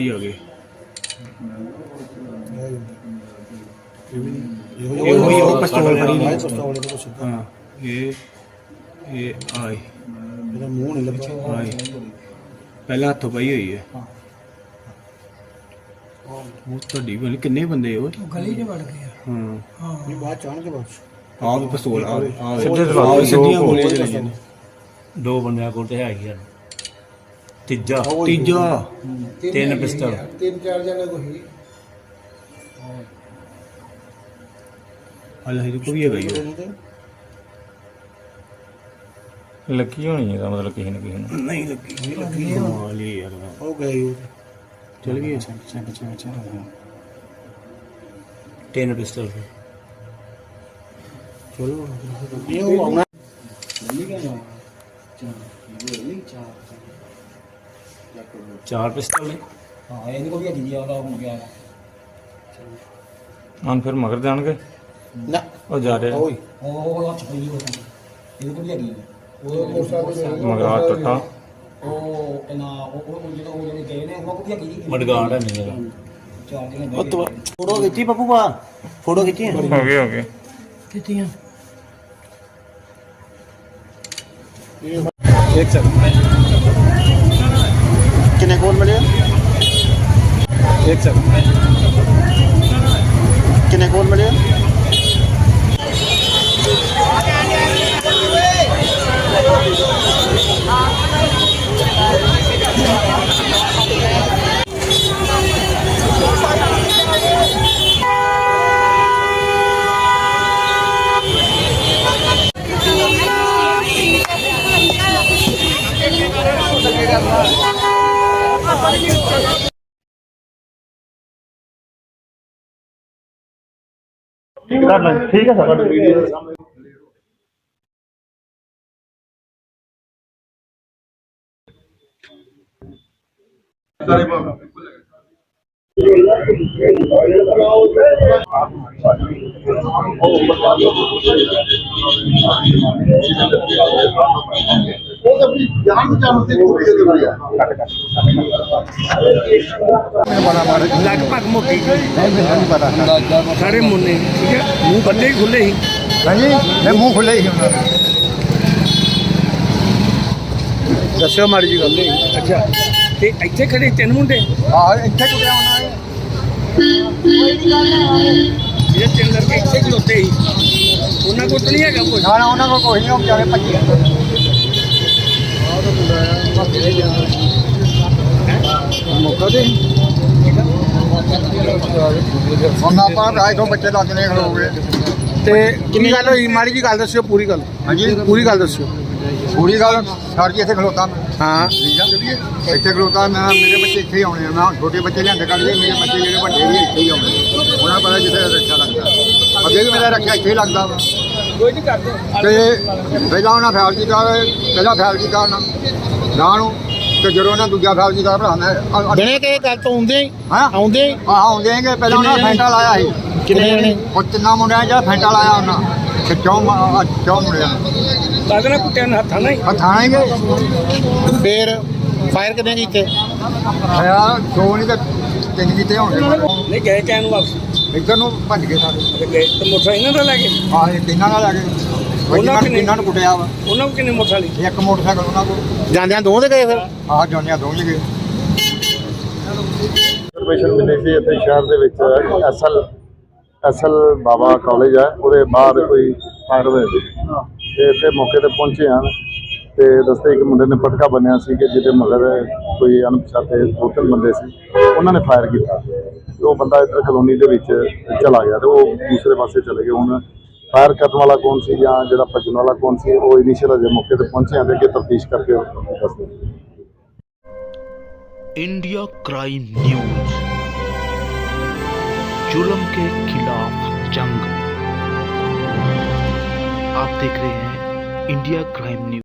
ਭਾਜੀ ਆ ਗਏ। ਇਹੋ ਪਿਸਤੌਲ ਫੜੀ ਨਹੀਂ। ਹਾਂ ਇਹ ਆਏ ਇਹਦਾ ਮੂੰਹ ਨਹੀਂ ਲੱਭਾ। ਆਏ ਪਹਿਲਾਂ ਹੱਥੋਂ ਪਾਈ ਹੋਈ ਹੈ। ਉਹ ਤੁਹਾਡੀ ਗੱਲ ਕਿੰਨੇ ਬੰਦੇ ਉਹ ਗਲੀ 'ਚ ਵੜ ਗਏ। ਹਾਂ ਇਹ ਬਾਅਦ ਚਾਣ ਕੇ ਬਾਅਦ ਆਹ ਵੀ ਪਿਸਤੌਲ ਆ ਸਿੱਧੀਆਂ ਗੋਲੀਆਂ ਚਲਾਈਆਂ ਨੇ। 2 ਬੰਦਿਆਂ ਕੋਲ ਤੇ ਹੈਗੀ ਆ। ਤੀਜਾ ਤੀਜਾ 3 ਪਿਸਟਲ। 3-4 ਜਣੇ ਕੋਈ ਹਾਲੇ ਹਜੇ ਕੋਈ ਹੈਗਾ ਹੀ ਲੱਗੀ ਹੋਣੀ ਇਹਦਾ ਮਤਲਬ ਕਿਸੇ ਨਾ ਕਿਸੇ ਨੂੰ। ਨਹੀਂ ਲੱਗੀ ਕਮਾਲ ਹੀ ਯਾਰ। ਉਹ ਗਏ ਉਹ ਚਲ ਗਈ 3 ਪਿਸਟਲ ਚਲੋ ਇਹ ਉਹ ਆਉਣਾ 4 ਪਿਸਟਲ ਨੇ। ਹਾਂ ਇਹਦੇ ਕੋਲ ਵੀ ਹੈਗੀ ਆ। ਉਹਦਾ ਹੁਣ ਗਿਆ ਹੁਣ ਫਿਰ ਮਗਰ ਜਾਣਗੇ। ਨਾ ਉਹ ਜਾ ਰਹੇ ਓਏ ਉਹ ਹੱਥ ਪਈ ਉਹ ਇਹਦੇ ਕੋਲ ਵੀ ਹੈਗੀ ਉਹ ਮੋਟਰਸਾਈਕਲ ਮਗਰਾ ਟੱਟਾ ਉਹ ਨਾ ਉਹ ਜਿਹੜੇ ਗਏ ਨੇ ਉਹਨਾਂ ਕੋਲ ਵੀ ਹੈਗੀ ਮਡਗਾੜ ਹੈ ਨਹੀਂ ਇਹਦਾ। 4 ਜਣੇ ਉਹ ਤੋਂ ਫੋਟੋ ਖਿੱਚੀ ਪੱਪੂ ਬਾ ਫੋਟੋ ਖਿੱਚੀ ਹੋ ਗਏ ਕਿਤੀਆਂ ਇੱਕ ਸੈਕਿੰਡ ਕਿੰਨੇ ਕੋਲ ਮਿਲੇ ਇੱਕ ਸੈਕਿੰਡ ਕਿੰਨੇ ਕੋਲ ਮਿਲੇ ठीक है सर वीडियो लगभग मोटी सारे मुन्ने ठीक है मुंह बंदे ही खुले ही। हाँ जी मैं मुंह खुले ही दस्यो माड़ी जी गल अच्छा ते ਇੱਥੇ ਖੜੇ 3 ਮੁੰਡੇ हाँ इतने कुटिया होना है ਜਿਹੜੇ 3 ਲੜਕੇ ਇੱਥੇ ਖਲੋਤੇ ਸੀ ਉਹਨਾਂ ਕੋਲ ਤਾਂ ਨਹੀਂ ਹੈਗਾ ਕੁਝ। ना ना उन्होंने कोई नहीं बेचारे भजे मौका दे हम आप राय तो बच्चे लगने खलो गए ਤੇ ਕਿੰਨੀ ਗੱਲ ਹੋਈ ਮਾੜੀ ਜੀ ਗੱਲ ਦੱਸਿਓ ਪੂਰੀ ਗੱਲ। हाँ जी ਪੂਰੀ ਗੱਲ ਦੱਸਿਓ। पूरी गल सर जी इतने खलोता मैं ਹਾਂ ठीक है इतने खलोता मैं मेरे बच्चे इतने ही आने मैं छोटे बच्चे लिया कर लिए मेरे बच्चे जो बड़े भी इतने ही आने उन्हें पता जिसे रक्षा लगता अगे भी मेरा रक्षा इतने ही लगता वा ਕੋਈ ਨਹੀਂ ਕਰਦੇ ਪਹਿਲਾਂ ਉਹਨਾਂ ਫੈਲ ਕੀਤਾ ਪਹਿਲਾਂ ਫੈਲ ਕੀਤਾ ਉਹਨਾਂ ਨਾ ਨੂੰ ਤੇ ਜਦੋਂ ਉਹਨਾਂ ਦੂਜਾ ਫੈਲ ਕੀਤਾ ਭਰਾ ਮੈਂ ਦਿਨੇ ਕਿ ਗੱਲ ਤੋਂ ਆਉਂਦੇ ਹੀ ਹਾਂ ਆਉਂਦੇ ਹੀ ਆਉਂਦੇ ਆਂਗੇ ਪਹਿਲਾਂ ਉਹਨਾਂ ਫੈਂਟਾ ਲਾਇਆ ਸੀ ਕਿੰਨੇ ਜਣੇ ਉਹ ਤਿੰਨਾਂ ਮੁੰਡਿਆਂ ਜਿਹੜਾ ਫੈਂਟਾ ਲਾਇਆ ਉਹਨਾਂ ਤੇ ਚੌਂ ਮੁੰਡਿਆਂ ਕਾਹਦੇ ਕੁੱਟਿਆਂ ਨਾਲ ਹੱਥਾਂ ਨਾਲ ਹੀ ਥਾਣੇਗੇ ਫੇਰ ਫਾਇਰ ਕਿੰਨੇ ਕੀਤੇ। ਯਾਰ ਦੋ ਨਹੀਂ ਤੇ 3 ਕੀਤੇ ਹੋਣਗੇ ਨਹੀਂ ਗਏ ਕਹਿਣ ਨੂੰ ਵਾਪਸ ਇੱਧਰ ਨੂੰ ਭੱਜ ਗਏ ਸਾਰੇ ਤੇ ਗਏ ਤੇ ਮੋਟਰ ਇਹਨਾਂ ਦਾ ਲੈ ਗਏ। ਆਹ ਇਹ ਤਿੰਨਾਂ ਨਾਲ ਆ ਗਏ ਉਹਨਾਂ ਨੂੰ ਕੁੱਟਿਆ ਵਾ ਉਹਨਾਂ ਨੂੰ ਕਿੰਨੇ ਮੋਟਰ ਵਾਲੀ ਇੱਕ ਮੋਟਰਸਾਈਕਲ ਉਹਨਾਂ ਕੋਲ ਜਾਂਦਿਆਂ ਦੋ ਦੇ ਗਏ ਫਿਰ। ਆਹ ਜੋਨੀਆਂ ਦੋ ਹੀ ਗਏ ਇਨਫੋਰਮੇਸ਼ਨ ਮਿਲੀ ਸੀ ਇੱਥੇ ਸ਼ਹਿਰ ਦੇ ਵਿੱਚ ਐਸਐਲ ਬਾਬਾ ਕਾਲਜ ਹੈ ਉਹਦੇ ਬਾਹਰ ਕੋਈ ਫਾਇਰ ਹੋਇਆ ਸੀ ਤੇ ਇੱਥੇ ਮੌਕੇ ਤੇ ਪਹੁੰਚੇ ਹਨ ਤੇ ਦੱਸਦੇ ਇੱਕ ਮੁੰਡੇ ਨੇ ਪਟਕਾ ਬੰਨਿਆ ਸੀ ਕਿ ਜਿਹਦੇ ਮਗਰ ਕੋਈ ਅਣਪਛਾਤੇ 2-3 ਬੰਦੇ ਸੀ ਉਹਨਾਂ ਨੇ ਫਾਇਰ ਕੀਤਾ ਤੇ ਉਹ ਬੰਦਾ ਇੱਧਰ ਕਲੋਨੀ ਦੇ ਵਿੱਚ ਚਲਾ ਗਿਆ ਤੇ ਉਹ ਦੂਸਰੇ ਪਾਸੇ ਚਲੇ ਗਏ। ਹੁਣ ਫਾਇਰ ਕਰਨ ਵਾਲਾ ਕੌਣ ਸੀ ਜਾਂ ਜਿਹੜਾ ਭੱਜਣ ਵਾਲਾ ਕੌਣ ਸੀ ਉਹ ਇਨੀਸ਼ੀਅਲ ਅਜੇ ਮੌਕੇ ਤੇ ਪਹੁੰਚੇ ਹਨ ਤੇ ਅੱਗੇ ਤਫਤੀਸ਼ ਕਰਕੇ ਦੱਸਦੇ। इंडिया क्राइम न्यूज, जुल्म के खिलाफ जंग। आप देख रहे हैं इंडिया क्राइम न्यूज।